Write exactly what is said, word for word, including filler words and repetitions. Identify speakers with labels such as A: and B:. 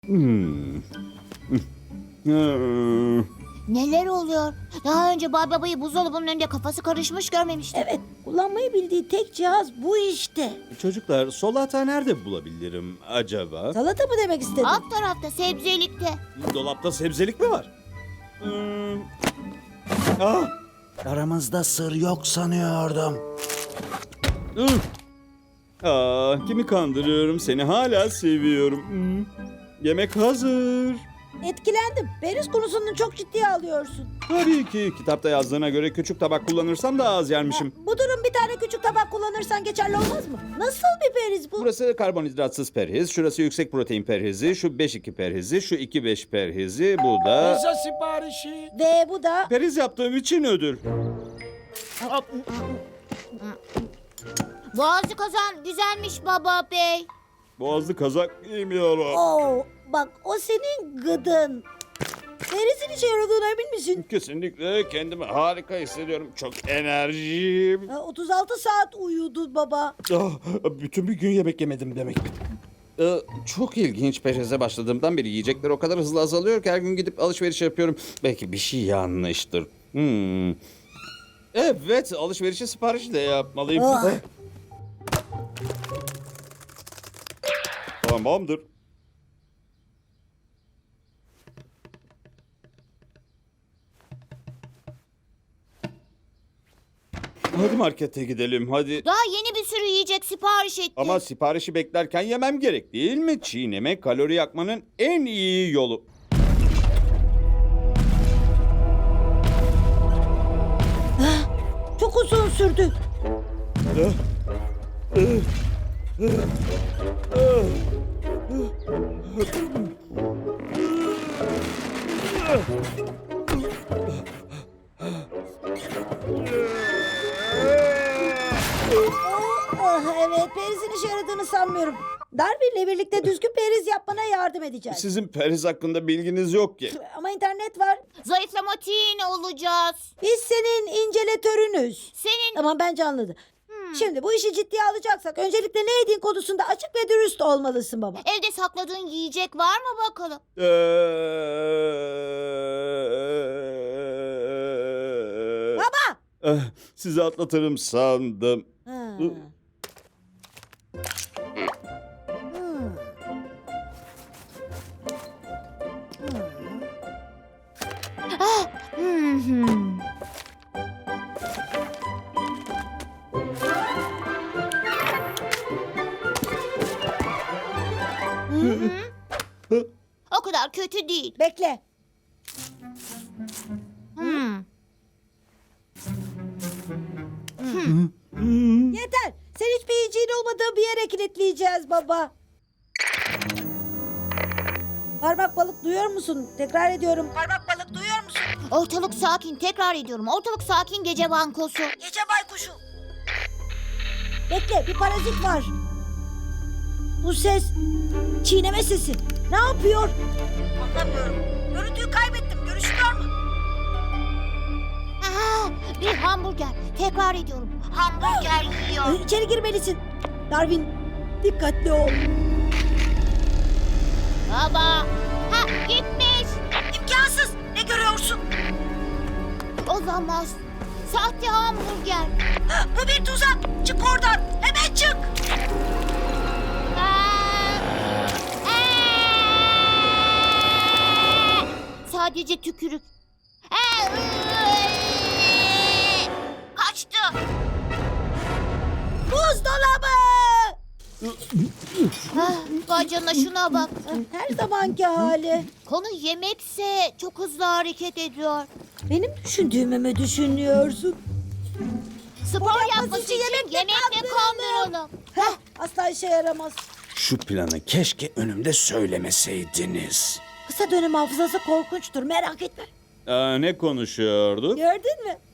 A: Hmm. Hmm.
B: Neler oluyor? Daha önce Bay Baba'yı buzdolabının önünde kafası karışmış görmemiştim.
C: Evet, kullanmayı bildiği tek cihaz bu işte.
A: Çocuklar, solata nerede bulabilirim acaba?
C: Salata mı demek istedin?
B: Alt tarafta sebzelikte.
A: Dolapta sebzelik mi var? Hmm. Ah!
D: Aramızda sır yok sanıyordum.
A: Ih! Aa, kimi kandırıyorum? Seni hala seviyorum. Hmm. Yemek hazır.
C: Etkilendim. Periz konusunu çok ciddiye alıyorsun.
A: Tabii ki kitapta yazdığına göre küçük tabak kullanırsam daha az yermişim.
C: Bu durum bir tane küçük tabak kullanırsan geçerli olmaz mı? Nasıl bir periz bu?
A: Burası karbonhidratsız perhiz, şurası yüksek protein perhizi, şu beş iki perhizi, şu iki beş perhizi, bu da...
E: Pizza siparişi.
C: Ve bu da...
A: Periz yaptığım için ödül.
B: Boğazı kazan güzelmiş Baba Bey.
A: Boğazlı kazak giymiyorum.
C: Oo, bak o senin gıdın. Perizin işe yaradığına emin misin?
A: Kesinlikle kendimi harika hissediyorum. Çok enerjiyim.
C: Ha, otuz altı saat uyudun baba.
A: Ah, bütün bir gün yemek yemedim demek. Ee, çok ilginç. Perize başladığımdan beri yiyecekler o kadar hızlı azalıyor ki her gün gidip alışveriş yapıyorum. Belki bir şey yanlıştır. Hmm. Evet, alışverişi siparişle yapmalıyım.
C: Ah.
A: Tamamdır. Hadi markete gidelim, hadi.
B: Daha yeni bir sürü yiyecek sipariş ettim.
A: Ama siparişi beklerken yemem gerek değil mi? Çiğneme kalori yakmanın en iyi yolu.
C: Çok uzun sürdü. Ah, evet, perizin işe yaradığını sanmıyorum. Darwin'le birlikte düzgün periz yapmana yardım edeceğiz.
A: Sizin periz hakkında bilginiz yok ki.
C: Ama internet var.
B: Zayıflamatin olacağız.
C: Biz senin inceletörünüz.
B: Senin...
C: Tamam, bence anladım. Şimdi bu işi ciddiye alacaksak öncelikle ne yediğin konusunda açık ve dürüst olmalısın baba.
B: Evde sakladığın yiyecek var mı bakalım?
A: Ee,
C: Baba!
A: eh, Sizi atlatırım sandım.
C: Ha.
A: Hı.
C: Hmm.
B: Hı hı. O kadar kötü değil.
C: Bekle.
B: Hmm.
C: Yeter. Sen hiçbir yiyeceğin olmadığı bir yere kilitleyeceğiz baba. Parmak balık duyuyor musun? Tekrar ediyorum. Parmak balık duyuyor musun?
B: Ortalık sakin. Tekrar ediyorum. Ortalık sakin gece bankosu.
C: Gece baykuşu. Bekle, bir parazit var. Bu ses çiğneme sesi. Ne yapıyor? Anlamıyorum. Görüntüyü kaybettim. Görüşüyor mu?
B: Aa, bir hamburger. Tekrar ediyorum. Hamburger yiyor.
C: Ee, İçeri girmelisin. Darwin, dikkatli ol.
B: Baba. Ha, gitmiş.
C: İmkansız. Ne görüyorsun?
B: Olamaz. Sahte hamburger.
C: Bu bir tuzak. Çık oradan. Hemen çık.
B: Aa! Aa! Sadece tükürük. Aa! Kaçtı.
C: Buzdolabı.
B: Ah, vay canına şuna bak.
C: Her zamanki hali.
B: Konu yemekse çok hızlı hareket ediyor.
C: Benim düşündüğümü mü düşünüyorsun?
B: Spor
C: yapması
B: yapması
C: için
B: için
C: yemekle
B: yemekle
C: kandıralım.
B: kandıralım.
C: Heh, asla işe yaramaz.
D: Şu planı keşke önümde söylemeseydiniz.
C: Kısa dönem hafızası korkunçtur, merak etme.
A: Aa, ne konuşuyorduk?
C: Gördün mü?